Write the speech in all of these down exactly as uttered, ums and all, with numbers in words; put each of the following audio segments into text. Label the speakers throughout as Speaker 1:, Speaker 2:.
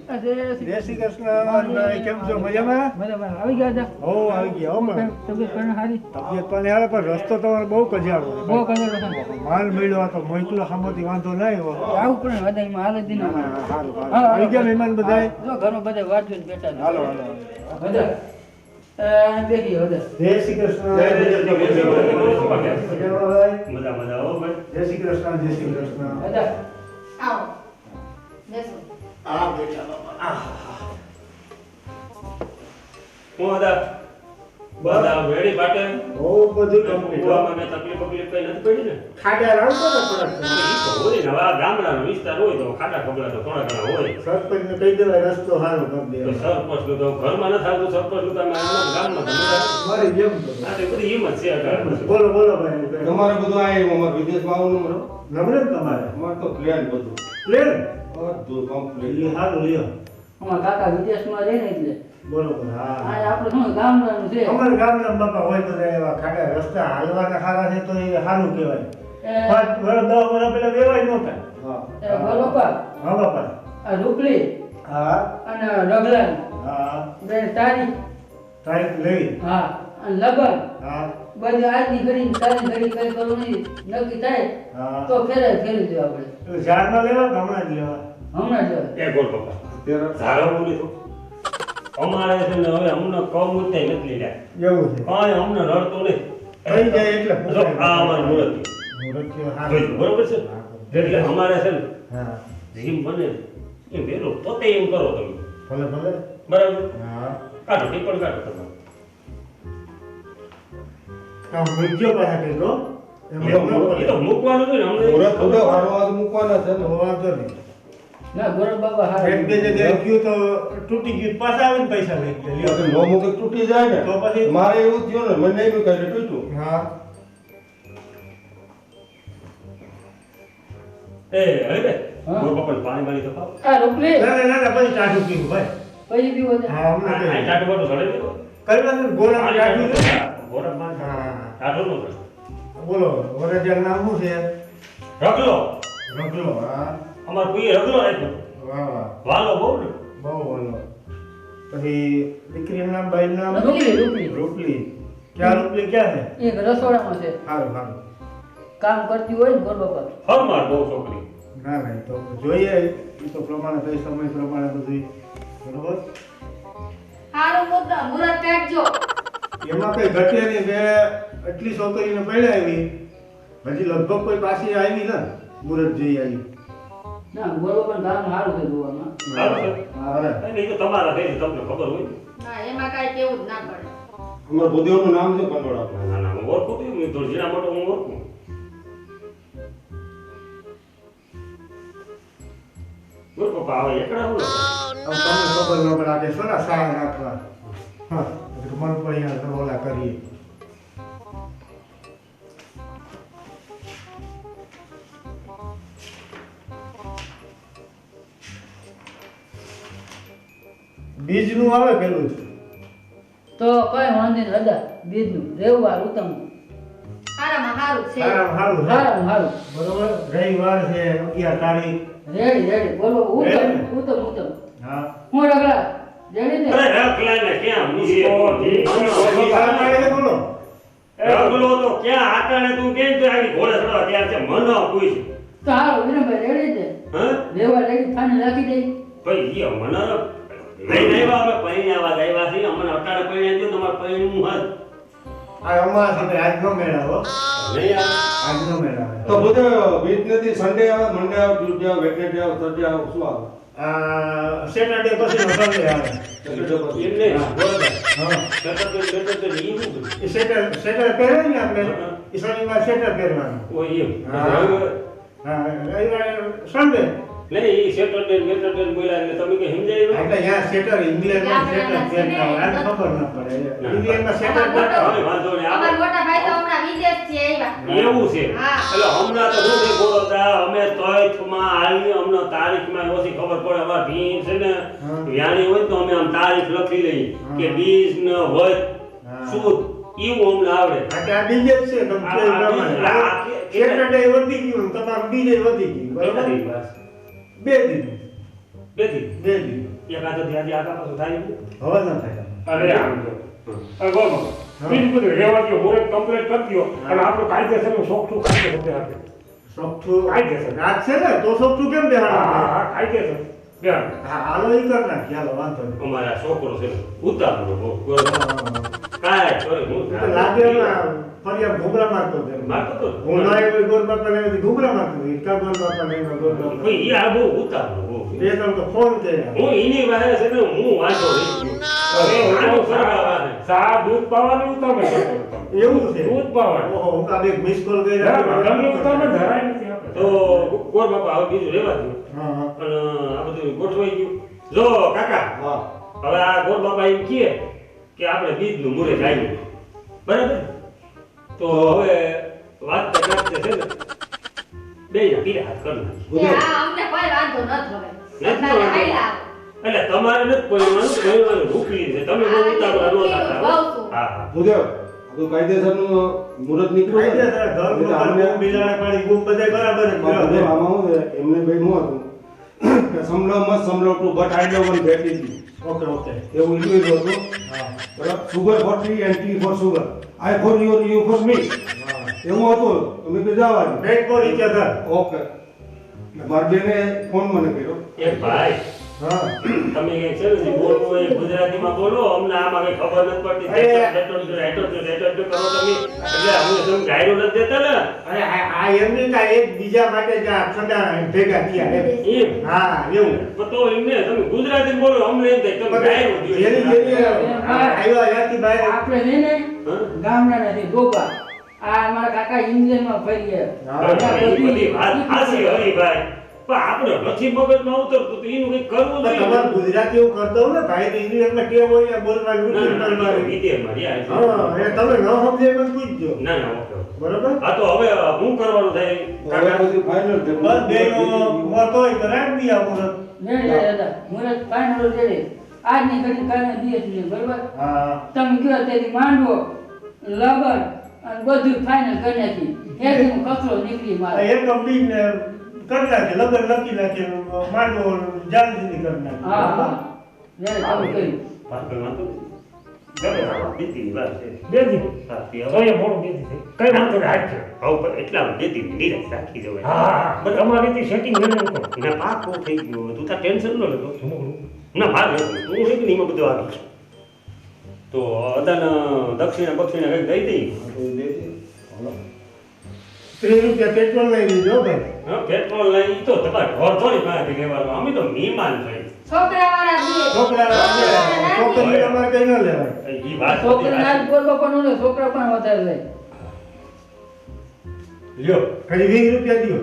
Speaker 1: જય શ્રી કૃષ્ણ. કેમ છો? મજામાં?
Speaker 2: આવી ગયા હતા.
Speaker 1: હો આવી ગયા. હો મને
Speaker 2: તબિયત પણ સારી.
Speaker 1: તબિયત પણ હારે, પણ રસ્તો તમારો બહુ કજાળો છે.
Speaker 2: બહુ કજાળો છે.
Speaker 1: માલ મળ્યો હતો, મોકલો સામેથી વાંધો નહીં હો.
Speaker 2: આવું પણ વધારે હાલ જ
Speaker 1: ના, ના, સારું, સારું. આવી ગયા મહેમાન બધાય?
Speaker 2: જો ઘરમાં બધા વાટ જોઈને બેઠા છે.
Speaker 1: હાલો હાલો
Speaker 2: બધા અ બેઠી બધા.
Speaker 1: જય શ્રી કૃષ્ણ.
Speaker 3: જય શ્રી કૃષ્ણ.
Speaker 1: મજામાં ભાઈ?
Speaker 3: મજા મજા હો ભાઈ.
Speaker 1: જય શ્રી કૃષ્ણ. જય શ્રી કૃષ્ણ.
Speaker 2: બધા
Speaker 4: આવો બેસો.
Speaker 1: આ બેઠા બાપા.
Speaker 3: હું હતા બધા વેડી પાટે
Speaker 1: બહુ બધું complete.
Speaker 3: ગોવામાં મેં તકલીફ બકલીફ કઈ નથી પડી ને.
Speaker 1: ખાડા રાવતો ને થોડાક.
Speaker 3: ઈ તો હોય ને, હવે આ ગામડાનો વિસ્તાર હોય તો ખાડા ખબડા તો થોડા ઘણા હોય.
Speaker 1: સરપંચને કહી દેવાય રસ્તો સારો કરી
Speaker 3: તો
Speaker 1: દે.
Speaker 3: સરપંચ નું તો ઘરમાં નથી આવતું, સરપંચ નું તો અમે આમાં ગામમાં તો મજા આવે.
Speaker 1: મારી જેમ તો.
Speaker 3: આ તો બધી હિંમત છે અત્યારે.
Speaker 1: બોલો બોલો ભાઈ.
Speaker 5: તમારે બધું આ અમારે વિદેશમાં આવવાનું મળો
Speaker 1: નબળે ને તમારે?
Speaker 5: અમારે તો પ્લેન બધું
Speaker 1: પ્લેન?
Speaker 5: બધું કમ્પ્લીટ.
Speaker 1: એ સારું લ્યો.
Speaker 2: અમારા કાકા વિદેશમાં રહે ને એટલે
Speaker 1: બરોબર.
Speaker 2: આ
Speaker 1: હા,
Speaker 2: આપણે શું ગામડાનું છે.
Speaker 1: અમારા ગામના બાપા હોય બધા એવા ખાડા રસ્તા હાલવાના સારા છે તો એ સારું કહેવાય.
Speaker 2: એ
Speaker 1: પાંચ વર્ષ દસ વર્ષ પેલા વેવાય નહોતા.
Speaker 5: હા
Speaker 2: એ ગોલોપા,
Speaker 1: હા બાપા.
Speaker 2: આ રૂપલી
Speaker 1: હા
Speaker 2: અને રગલાન
Speaker 1: હા.
Speaker 2: બે તારીખ
Speaker 1: તારીખ લઈ.
Speaker 2: હા અને લગન
Speaker 1: હા
Speaker 2: બધી આજની ઘડી તારી ઘડી કઈ કરવું નહીં નક્કી થાય
Speaker 1: હા.
Speaker 2: તો ફેરે ફેરી દેવા આપણે
Speaker 1: એટલે ઝાડમાં લેવા કે હમણાં જ લેવા?
Speaker 2: હમણાં જ
Speaker 3: એ ગોળ પપ્પા ધારો બોલી તો અમારે છે ને હવે અમને કમ ઉઠાઈ નથી લીધા.
Speaker 1: એવું છે.
Speaker 3: કાંઈ અમને રડતો નહીં.
Speaker 1: થઈ જાય એટલે
Speaker 3: જો આ અમારું મુહૂર્ત
Speaker 1: મુહૂર્ત સારું.
Speaker 3: જોઈજો, બરોબર છે એટલે અમારે છે ને
Speaker 1: હા
Speaker 3: જીમ બને એ વેલો પોતે એમ કરો તમે
Speaker 1: ભલે ભલે.
Speaker 3: બરાબર.
Speaker 1: હા
Speaker 3: કાઢો ટીપણ કાઢો તમે.
Speaker 1: કામ મૂકજો પાછા કેટલો એમ
Speaker 3: એ તો
Speaker 1: એમ ન
Speaker 3: મૂક- એ તો
Speaker 1: પડે.
Speaker 3: મૂકવાનું હોય ને અમને.
Speaker 5: મુહૂર્ત બધો હારો હાથ મૂકવાના છે ને.
Speaker 1: તો વાંધો નહીં.
Speaker 2: ના ગોરખ બાબા હારા
Speaker 1: એક બે જગ્યાએ ગયું તો તૂટી ગયું, પાછા આવીને પૈસા લઈ ગયા. લ્યો.
Speaker 5: તો નો મૂકે તૂટી જાય ને
Speaker 1: તો પછી?
Speaker 5: મારે એવું થયું ને મને એનું કઈ તૂટ્યું.
Speaker 1: હા
Speaker 3: એ હવે
Speaker 2: હા.
Speaker 3: ગોળ પપ્પાને પાણી બાણી તો ખાઓ.
Speaker 2: આ રૂપલી
Speaker 1: ના ના ના ના પછી ટાઢું પીવું ભાઈ.
Speaker 2: પછી પીવો છે
Speaker 1: હા
Speaker 3: આ
Speaker 1: હમણાં
Speaker 3: આ
Speaker 1: કઈ
Speaker 3: ટાટુ બાટુ સડે નહીં તો.
Speaker 1: કરવાનું ગોળા ટાઢું છે.
Speaker 3: ગોળા પાણી
Speaker 1: હા
Speaker 3: ટાટુ નો કરે.
Speaker 1: બોલો વરજાનું નામ શું છે?
Speaker 3: રગલો
Speaker 1: રગલો. હા
Speaker 3: અમાર કોઈ રગલો રાખ્યો.
Speaker 1: વાહ વાહ
Speaker 3: વાલો બહુ ને.
Speaker 1: બહુ બોલો. પછી દીકરીનું નામ ભાઈનું નામ?
Speaker 2: રૂપલી રૂપલી
Speaker 1: રૂપલી. ક્યાં રૂપલી ક્યાં છે?
Speaker 2: એક રસોડામાં છે
Speaker 1: સારું સારું.
Speaker 2: કામ કરતી હોય ને ગોર બાબા
Speaker 3: ફરમાર બહુ છોકરી.
Speaker 1: ના ના એ તો જોઈએ એ તો પ્રમાણે કઈ સમય પ્રમાણે બધું બરોબર.
Speaker 4: હારું મુદ્દા મુરત કાઢજો.
Speaker 1: એમાં કઈ ઘટે નહીં. બે એટલી છોકરીને પડ્યા આવી હજી લગભગ કોઈ પાછી આવી ને મુરત જઈ આવી.
Speaker 2: ના ગોર બાબા ગામ સારું છે જોવામાં
Speaker 3: સારું છે.
Speaker 1: હા
Speaker 3: એટલે એ તો તમારા કઈ તમને ખબર હોય ને.
Speaker 4: ના એમાં કાંઈ કેવું જ ના પડે.
Speaker 5: અમારા ભૂદેવનું નામ છે કંડોળા.
Speaker 3: ના ના હું ઓળખું છું મેં થોડી જીરા મોટો હું ઓળખું. બોલ પપ્પા આવે એકડા હું
Speaker 1: હવે તમને ખબર ન પડે આજે સોના સારા નાખવા. હા એટલે મન પણ અહીંયા ઓલા કરીએ. બીજનું આવે પેલું જ.
Speaker 2: તો કઈ વાંધો નહીં દાદા બીજનું રેવવાર ઉત્તમ
Speaker 4: હારામાં હારું છે.
Speaker 1: સારામાં સારું છે.
Speaker 2: સારું સારું
Speaker 1: બરોબર. રવિવાર છે અગિયાર તારીખ.
Speaker 2: રેડી રેડી બોલો ઉત્તમ
Speaker 1: રેડી.
Speaker 2: ઉત્તમ ઉત્તમ
Speaker 1: હા
Speaker 2: હું રગડા રેડી ને
Speaker 3: અરે રખલા ને ક્યાં મૂકી
Speaker 1: બોલો.
Speaker 3: રગલો તો ક્યાં આટાણે તું કેમ તો આવી ઘોડે ચડવા તૈયાર છે મને પૂછ.
Speaker 2: તો હારું વિનમભાઈ રેડી છે
Speaker 3: હા
Speaker 2: રેવા રેડી થાને રાખી દઈ
Speaker 3: ભાઈ ઈ મને લઈને આવ્યા અમે પૈણી આવા આવ્યા છીએ અમને અટાણે પૈણી આવ્યો તમારે પૈણી હું હદ
Speaker 1: આ અમારા સાથે આજ નો મેળાવો.
Speaker 3: નહીં આવે.
Speaker 1: આજ નો મેળાવે.
Speaker 5: તો બધે વીક નથી સન્ડે આવે મંડે આવે ટ્યુઝડે આવે વેટનેસડે આવે થર્સડે આવે શું આવે?
Speaker 1: આ સેટરડે પછી નો સન્ડે આવે.
Speaker 5: સેટરડે પછી.
Speaker 3: એમ નહીં બરોબર.
Speaker 1: હા
Speaker 3: સેટર સેટર તો ઈ શું બધું
Speaker 1: એ સેટર સેટર પહેરે ને આપણે એ શનિવાર સેટર પહેરવાનું.
Speaker 3: ઓય એમ
Speaker 1: હા. હા રવિવારે સન્ડે.
Speaker 3: નહીં ઈ સેટરડે મેટરડે બોલ્યા એટલે તમે કે સમજાય
Speaker 1: એટલે અહીંયા સેટર ઇંગ્લેન્ડમાં સેટર પહેરતા હોય આને ખબર ન પડે. ઇંગ્લેન્ડમાં સેટર પહેરતા હોય.
Speaker 3: હવે વાંધો નહીં
Speaker 4: અમારા
Speaker 3: આપણે
Speaker 4: મોટા ભાઈ તો હમણાં વિદેશથી આવ્યા.
Speaker 3: એવું છે
Speaker 4: હા.
Speaker 3: એટલે હમણાં તો હું બોલો તા અમે તોયથમાં આવી અમને તારીખમાં ઓછી ખબર પડે અમાર ભીમ છે ને
Speaker 1: હા.
Speaker 3: વ્યાણી હોય ને તો અમે આમ તારીખ લખી લઈએ
Speaker 1: હા.
Speaker 3: કે બીજ ન હોય
Speaker 1: હા.
Speaker 3: સુદ એવું અમને આવડે.
Speaker 1: આ કે આ બીજે જ છે તમે
Speaker 3: આ-
Speaker 1: કહ્યું
Speaker 3: આ
Speaker 1: પ્રમાણે.
Speaker 3: બીજ- આ કે-
Speaker 1: સેટરડે વધી ગયું ને તમારું બીજે વધી ગયું
Speaker 3: કેટલા
Speaker 1: બરોબર.
Speaker 3: દિવસ?
Speaker 1: બે દિન
Speaker 3: બે દી.
Speaker 1: બે દિન
Speaker 3: એકાદ ધ્યાન આગા પાછું થાય નહીં.
Speaker 1: હવે ન થાય.
Speaker 6: અરે આમ જો અરે બોલો બીજું બધું રહેવા દો મુહૂર્ત કમ્પ્લીટ કરી દો અને આપણું કાયદેસરનું શોખનું કાયદેસર બેહાડે
Speaker 1: સોફ્ટું
Speaker 6: કાયદેસર.
Speaker 1: રાત છે ને તો સોફ્ટું કેમ
Speaker 6: હા
Speaker 1: બેહાડવાનું?
Speaker 6: હા કાયદેસર બેહાડે.
Speaker 1: હા હાલો ઈ કર નાખ ચાલો વાંધો નહીં.
Speaker 3: અમારા છોકરો છે ઉતાવળો બહુ. કાંઈ કરે હું
Speaker 1: એ તો લાગે એમાં ફરિયાદ ઘૂઘરા મારતો હતો એમ.
Speaker 3: મારતો તો
Speaker 1: હું ના આવ્યો ગોર બાપાને એમાંથી ઘૂઘરા મારતો હતો. ઈકા ગોર બાપાને એમાં ગોર બાપા.
Speaker 3: ભાઈ ઈ આ બહુ ઉતાવળો બહુ.
Speaker 1: બે ત્રણ તો ફોન કર્યા.
Speaker 3: હું એની વાહે છે ને હું વાંચો રહી ગયો. હવે આનો ફરક આવે.
Speaker 6: સા દૂધ પાવાની ઉતામે કરતો.
Speaker 1: એવું છે.
Speaker 6: દૂધ પાવાનું.
Speaker 1: ઓહો હું તો આ બે મિસ કોલ
Speaker 6: ના,
Speaker 1: કર્યા.
Speaker 6: તમને ઉતામે ધરાય નથી આપણે.
Speaker 3: તો ગોર બાપા હવે બીજું રહેવા દો.
Speaker 1: હા હા.
Speaker 3: અને આ બધું ગોઠવાઈ ગયું. જો કાકા
Speaker 5: હા
Speaker 3: હવે આ ગોર બાપા એમ કહે કે આપણે બીજનું મુહૂર્ત આવ્યું. બરાબર? તો હવે વાત કરતા છે ને બે પીડા હાથ કરી નાખી.
Speaker 4: કે આ અમને કોઈ વાંધો ન થવે.
Speaker 3: નથી
Speaker 4: અત્યારે
Speaker 3: વાંધો.
Speaker 4: હાલ્યા.
Speaker 3: એટલે તમારે નથી કોઈવાનું કોઈવાનું રૂપી છે તમે બહુ ઉતાવળા ન થતા હો. હા હા
Speaker 5: ભૂદેવ આપણું કાયદેસરનું મુહૂર્ત નીકળ્યું છે ને?
Speaker 1: કાયદેસર ધર્મ
Speaker 5: એટલે
Speaker 1: પર
Speaker 5: આમને-
Speaker 1: બૂમ બિલાડા પાડી બૂમ બધાય બરાબર જ
Speaker 5: પણ ભૂદેવ
Speaker 1: કર્યો.
Speaker 5: આમાં શું છે, એમને ભાઈ શું હતું કે સમલો મત સમલો two but I do one બેટી હતી.
Speaker 1: Okay okay.
Speaker 5: એવું ઇંગ્લિશ હતું.
Speaker 1: હા
Speaker 5: બરાબર sugar for tea and tea for sugar I for you you for me
Speaker 1: હા.
Speaker 5: એવું હતું. તમે કે જવાનું
Speaker 1: bet for each other.
Speaker 5: Okay મારી બેને ફોન મને કર્યો.
Speaker 3: એ ભાઈ
Speaker 1: હા.
Speaker 3: તમે કઈ છે ને જે બોલવું હોય એ ગુજરાતીમાં બોલો અમને આમાં કઈ ખબર નથી પડતી
Speaker 1: અરે.
Speaker 3: હેટો હેટો હેટો હેટો હેટો કરો તમે એટલે અમને તમે ગાયરો નથી દેતા ને
Speaker 1: અરે આ આ એમને કાંઈ એક બીજા માટે જ આ ઠંડા ભેગા થયા એમ.
Speaker 3: એમ
Speaker 1: હા એવું.
Speaker 3: પણ તો એમને તમે ગુજરાતી બોલો અમને એમ થાય તમે ગાયરો દ્યો.
Speaker 1: જેની જેની આવ્યા ત્યાંથી બહાર
Speaker 2: આપણે છે ને
Speaker 3: હા?
Speaker 2: ગામડાના છે ગોપા આ અમારા કાકા ઇંગ્લેન્ડમાં ફરી ગયા
Speaker 1: હા.
Speaker 3: એ બધી વાત સાચી હરીભાઈ પણ આપણે નથી મગજમાં ઉતરતું તો એનું કંઈક કરવું
Speaker 1: પણ
Speaker 3: જોઈએ.
Speaker 1: તમારે ગુજરાતી એવું કરતો હોય ને ભાઈ તો ઇંગ્લિશમાં કેવું હોય ને બોલવાનું
Speaker 3: ના,
Speaker 1: ઉચ્ચાર
Speaker 3: ના, ના,
Speaker 1: કરવાનું.
Speaker 3: વિદેશમાં રહ્યા છે.
Speaker 1: હા એ તમે ન સમજે મને પૂછજો.
Speaker 3: ના ના ઓકે ઓકે.
Speaker 1: બરોબર.
Speaker 3: આ તો હવે શું કરવાનું થાય
Speaker 5: હવે
Speaker 3: કાકા?
Speaker 5: બધું ફાઇનલ છે.
Speaker 1: બસ બે મોત હોય તો રાખ દી આવું.
Speaker 2: ને લે દાદા મુરત ફાઈનલ રેડી આજની ઘડી કાલના દિવસ છે બરોબર
Speaker 1: હા
Speaker 2: તમે કયો તેથી માંડવો લગન અને બધું ફાઈનલ કરી નાખી એકદમ કચરો નીકળી મારે
Speaker 1: એક કંપની ને કરી નાખે લગન લખી નાખે માંડવો જાણથી કરી નાખે.
Speaker 2: હા હા લે તમે કહ્યું
Speaker 3: વાત કરવાનું હતું. ગમે તે બીતીની વાત છે.
Speaker 6: બે દી
Speaker 3: હા, તે
Speaker 6: તો
Speaker 3: હવે
Speaker 6: એ મોડું બે દી થઈ કઈ વાંધો નહીં હાથ છે
Speaker 3: હવે પણ એટલામાં બીતીની નિરાશ રાખી જવાય.
Speaker 6: હા હા બટ અમારી રીતે સેટિંગ કરી નાખો.
Speaker 3: ના પાકું થઈ ગયું તું તાર ટેન્શન ન લેતો.
Speaker 6: જમણું.
Speaker 3: ના ભાગ લેવું તું છે કે નહીં એમાં બધું આવી તો અદાન દક્ષિણા બક્ષિણા કંઈક દઈ દઈ.
Speaker 5: તો એ દે દે. હાલો.
Speaker 1: ત્રીસ રૂપિયા પેટ્રોલ લઈ લીધો ભાઈ.
Speaker 3: હા પેટ્રોલ લઈ તો તમારે ઘર થોડી પાસેથી લેવાનું અમે તો મહેમાન થઈ.
Speaker 4: છોકરાવાળા દે.
Speaker 1: છોકરા છોકરી તમારે કઈ ન લેવાય.
Speaker 3: એ વાત
Speaker 2: છોકરા ના ગોર બાપા નો છોકરા પણ વધારે લે
Speaker 3: લ્યો
Speaker 1: ખાલી વીસ રૂપિયા દો.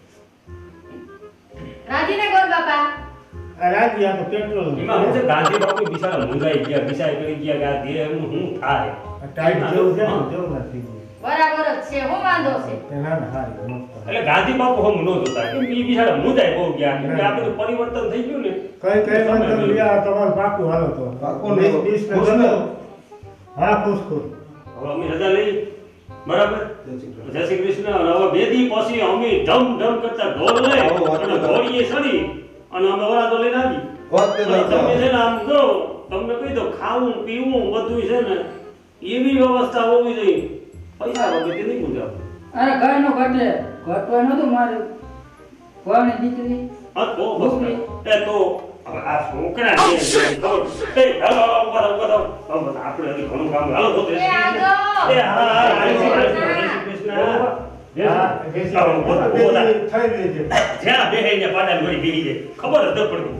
Speaker 4: રાજીને ગોર બાપા.
Speaker 1: આ રાજી આ તો પેટ્રોલ
Speaker 3: એમાં હું છે ગાંધી બાપુ બિચારા મુંજાઈ ગયા બિચારી કરી ગયા કે આ દેહ એમનું શું થાય.
Speaker 1: ટાઈટ જેવું છે ને જેવું નથી.
Speaker 4: બરાબર જ છે હું વાંધો છે.
Speaker 1: ના ના હારી મસ્ત.
Speaker 3: એટલે ગાંધી બાપુ હમ ન જોતા કેમ કે એ બિચારા મુંજાઈ બહુ ગયા કેમ કે આ બધું પરિવર્તન થઈ ગયું ને.
Speaker 1: કઈ કઈ વાંધો નહીં આ તમારું પાકું હાલો તો.
Speaker 5: પાકું ને.
Speaker 1: વીસ વીસ ને
Speaker 5: ખુશ ને?
Speaker 1: જતો. હા ખુશ ખુશ.
Speaker 3: હવે અમે રજા લઈ બરાબર
Speaker 5: જય શ્રી કૃષ્ણ.
Speaker 3: જય શ્રી કૃષ્ણ અને હવે બે દી પછી અમે ધમ ધમ કરતા ઢોલ લઈ
Speaker 5: આવો વાત
Speaker 3: અને
Speaker 5: કરો.
Speaker 3: ઘોડીએ ચડી અને અમે વરાતો લઈને આવી.
Speaker 5: વાત તે
Speaker 3: અને તમે
Speaker 5: દાદા.
Speaker 3: છે ને આમ જો તમને કહી દો ખાવું પીવું બધું છે ને એવી વ્યવસ્થા હોવી જોઈએ પૈસા વગર નહીં મુજાવ.
Speaker 2: અરે કઈ નો ઘટે ઘટવા નતું મારે કોની દીકરી
Speaker 3: હા તો બસ એ તો હવે આ છોકરા છે એને ખબર એ હાલો હાલો ઉભા રહો, ઉભા રહો. હવે આપણે હજી ઘણું કામ હાલો તો
Speaker 4: એ આગો.
Speaker 3: એ હા હા હા, જય શ્રી કૃષ્ણ, જય શ્રી કૃષ્ણ.
Speaker 1: હા, બેસી
Speaker 3: આવો, બોલા, બોલા.
Speaker 1: થઈ લેજે.
Speaker 3: જ્યાં બેહે ને પાડા વળી બેહી જાય ખબર જ ન પડતી.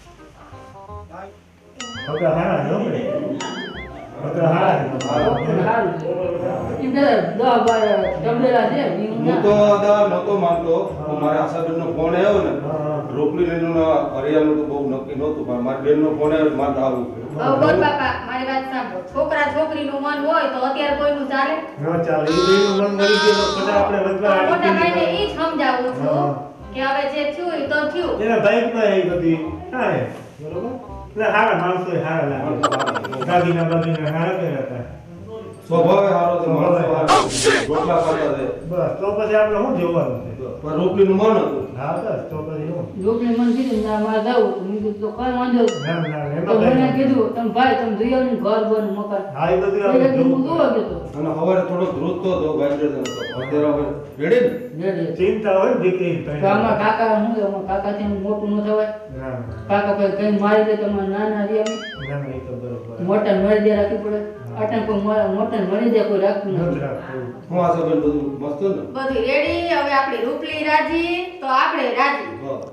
Speaker 1: હવે હારા છે હો ભાઈ. હવે હારા છે.
Speaker 2: સારું છે એમ કે દસ બાર જમલેલા છે ઈ
Speaker 5: હું તો દાદા નહોતો માનતો પણ મારા આશાબેનનો ફોન આવ્યો ને
Speaker 1: હા.
Speaker 5: રોકડી લઈને હરિયાનું તો બહુ નક્કી નહોતું પણ મારી બેનનો ફોન આવ્યો એટલે મારે તો આવવું પડ્યું.
Speaker 4: હવે ગોર બાપા મારી વાત સાંભળો. છોકરા છોકરીનું મન હોય તો અત્યારે કોઈનું ચાલે.
Speaker 1: ન ચાલે. ઈ બેયનું મન મળી ગયું તો પછી આપણે
Speaker 4: તો
Speaker 1: વધવા
Speaker 4: મોટા ભાઈને
Speaker 1: આડી
Speaker 4: ઈ જ સમજાવું
Speaker 1: હા.
Speaker 4: છું કે હવે જે થયું એ તો થયું.
Speaker 1: એના બાઈકમાં એ બધી થાય બરોબર. એટલે હારા માણસો હારા લાગે. દાદીના બાદીના હારા કર્યા હતા.
Speaker 5: સ્વભાવે સારો છે માણસો સારો છે. રોટલા ખાતા છે
Speaker 1: બસ તો પછી આપણે શું જોવાનું છે
Speaker 5: પણ રોટલીનું મન હતું
Speaker 1: હા બસ તો પછી હું
Speaker 2: લોકોને મને કીધું ના મારે જવું તો મેં કીધું તો કાંઈ વાંધો નહીં.
Speaker 1: ના ના
Speaker 2: તો
Speaker 1: એમાં
Speaker 2: મને
Speaker 1: કઈ
Speaker 2: કીધું તમે ભાઈ તમે જોઈ આવો ને ઘર બન મકાન
Speaker 1: હા એ બધું
Speaker 2: એટલે
Speaker 1: આપણે
Speaker 2: હું
Speaker 1: જોવું
Speaker 2: જોવા ગયો હતો.
Speaker 5: અને સવારે થોડો ધ્રુજતો હતો ગાજર હતો અત્યારે હવે રેડી ને
Speaker 2: રેડી.
Speaker 1: ચિંતા હોય ને દીકરી
Speaker 2: તો આમાં કાકા શું છે અમારા કાકાથી એમ મોટું ન થવાય.
Speaker 1: ના ના
Speaker 2: કાકા કોઈ કઈ મારી દે તમારે નાના રે અમે
Speaker 1: ના ના એ તો બરોબર
Speaker 2: મોટા મરી દે રાખવી પડે. અટણ કોઈ મોટા મોટા મરી દે કોઈ રાખતું
Speaker 1: નથી
Speaker 2: નથી.
Speaker 1: રાખવું.
Speaker 5: હું આ સબંધ બધું મસ્ત ને
Speaker 4: બધું રેડી. હવે આપણી રૂપલી રાજી તો આપણે રાજી.